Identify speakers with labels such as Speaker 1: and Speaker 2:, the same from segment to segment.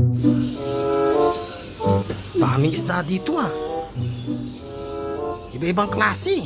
Speaker 1: Daming isda dito ah. Iba-ibang klase.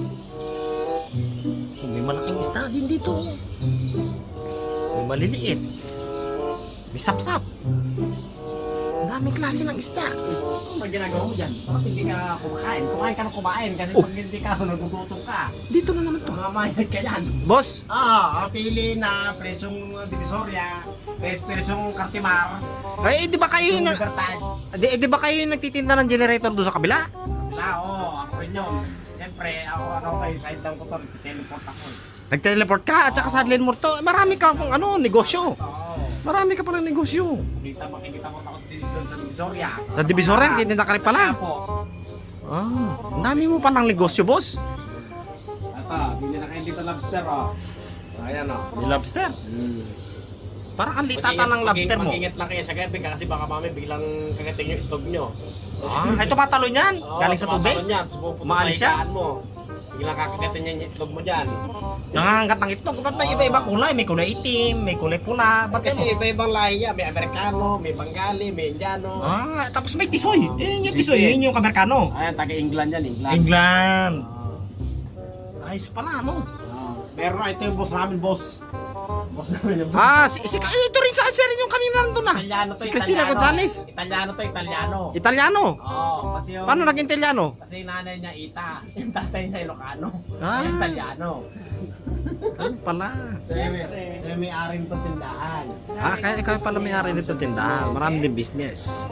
Speaker 1: May malaking isda din dito. May maliliit. May sapsap. Daming klase ng isda.
Speaker 2: Ano ginagawa mo dyan? Bakit hindi ka kumakain? Kumain ka ng kumain kasi pag hindi ka, nagugutom ka.
Speaker 1: Dito na naman to.
Speaker 2: Mamayad ka yan.
Speaker 1: Boss,
Speaker 2: Pili na presyong Divisoria, presyong Cartimar,
Speaker 1: ay di ba kayo
Speaker 2: yung
Speaker 1: na,
Speaker 2: Libertad.
Speaker 1: di ba kayo yung nagtitinda ng generator doon sa kabila?
Speaker 2: Wala, ako rin yun. Siyempre, ako kayo, side down ko to, teleport ako.
Speaker 1: Nag-teleport ka at saka sa Adlen Morto. Marami ka kung ano, negosyo.
Speaker 2: Oo.
Speaker 1: Marami ka pala negosyo.
Speaker 2: Makikita mo ako sa Divisoria.
Speaker 1: Sa Divisoria, titinda ka rin pala.
Speaker 2: Po.
Speaker 1: Ah, ang dami mo palang negosyo, boss.
Speaker 2: Bili na kayo dito lobster, Ayan,
Speaker 1: May lobster. Parang ang litata ng lobster mo.
Speaker 2: Mag-ingat lang kayo sa gabi kasi baka mami biglang kagating yung itog nyo.
Speaker 1: Ay, tumatalo niyan. Galing sa tubig. Maalis siya.
Speaker 2: Mo. Biglang kakagatin yung itlog mo dyan.
Speaker 1: Nangangagat ng itlog. Ba't may iba-iba kulay? May kulay itim, may kulay pula. Ba't
Speaker 2: Kasi
Speaker 1: mo?
Speaker 2: iba-ibang lahi yan. May Amerikano, may Bengali, may Indiano.
Speaker 1: Tapos may tisoy. Yun yung tisoy, yun yung Amerikano.
Speaker 2: Ayan, taga-England yan, England.
Speaker 1: England. Ayos pala, ano?
Speaker 2: Pero ito yung boss namin, boss. Boss namin yung boss.
Speaker 1: Ito rin sa rin yung kanina nandun ah.
Speaker 2: Italiano to,
Speaker 1: Si Cristina Gonzalez.
Speaker 2: Italiano to, Italiano.
Speaker 1: Italiano.
Speaker 2: Kasi yung...
Speaker 1: Paano naging Italiano?
Speaker 2: Kasi yung nanay niya Ita, yung tatay niya Ilocano.
Speaker 1: Ah.
Speaker 2: Yung Italiano.
Speaker 1: Ayun pala.
Speaker 2: Siya may aring to tindahan.
Speaker 1: Kaya ikaw pala may-ari nito tindahan. Marami din business.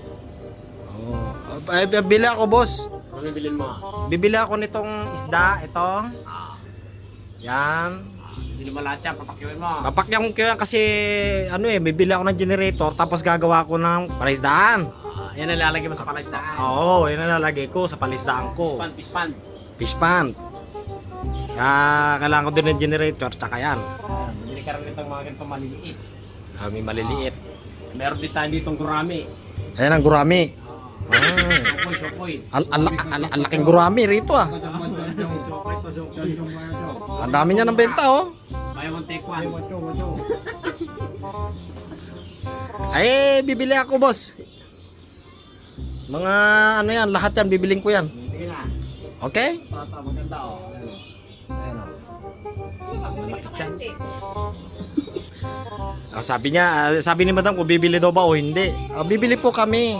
Speaker 1: Ay, bibili ako, boss.
Speaker 2: Ano bilhin mo?
Speaker 1: Bibili ako nitong isda, itong. Yan.
Speaker 2: Hindi mo lahat yan, papakiwin mo.
Speaker 1: Papakyan ko yan kasi bibili ako ng generator tapos gagawa ko ng palaisdaan.
Speaker 2: Yan ang lalagay mo sa palaisdaan.
Speaker 1: Oo, yan ang lalagay ko sa palaisdaan ko.
Speaker 2: Pispan.
Speaker 1: Fish pan. Kaya kailangan ko din ng generator tsaka yan.
Speaker 2: Bumili ka rin itong mga ganitong maliliit.
Speaker 1: May maliliit.
Speaker 2: Meron din tayo ditong gurami.
Speaker 1: Ayan ang gurami.
Speaker 2: Sokoy.
Speaker 1: Ang laking gurami rito ah.
Speaker 2: Sokoy.
Speaker 1: Ang dami niya ng benta oh.
Speaker 2: Buy one take one.
Speaker 1: Ay, bibili ako boss. Mga ano yan, lahat yan bibiling ko yan.
Speaker 2: Sige na.
Speaker 1: Okay?
Speaker 2: Maganda
Speaker 1: Ayan oh. Sabi ni madam kung bibili daw ba o hindi. Bibili po kami.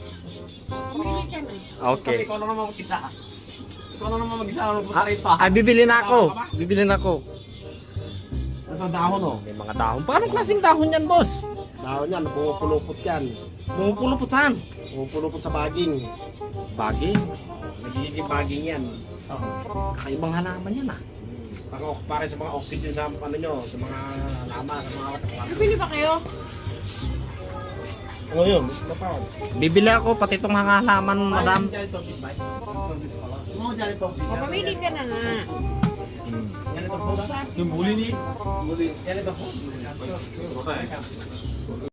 Speaker 1: Okay.
Speaker 2: Ikaw na naman mag-isa. Ikaw na naman mag-isa. Ano po rito?
Speaker 1: Bibili na ako. Bibili na ako.
Speaker 2: Ito dahon
Speaker 1: May mga dahon. Paano klaseng dahon yan, boss?
Speaker 2: Dahon yan, pumupulupot yan.
Speaker 1: Pumupulupot saan?
Speaker 2: Pumupulupot sa baging.
Speaker 1: Baging.
Speaker 2: Nagiging baging yan.
Speaker 1: Kakaibang halaman yan ah.
Speaker 2: Para sa mga oxygen sa ano nyo, sa mga laman, sa mga
Speaker 3: Bibili pa kayo?
Speaker 2: ano yun?
Speaker 1: Bibili ako pati itong halaman, madam.
Speaker 3: Pamili ka na nga.
Speaker 2: Yung buli ni? Yan ito.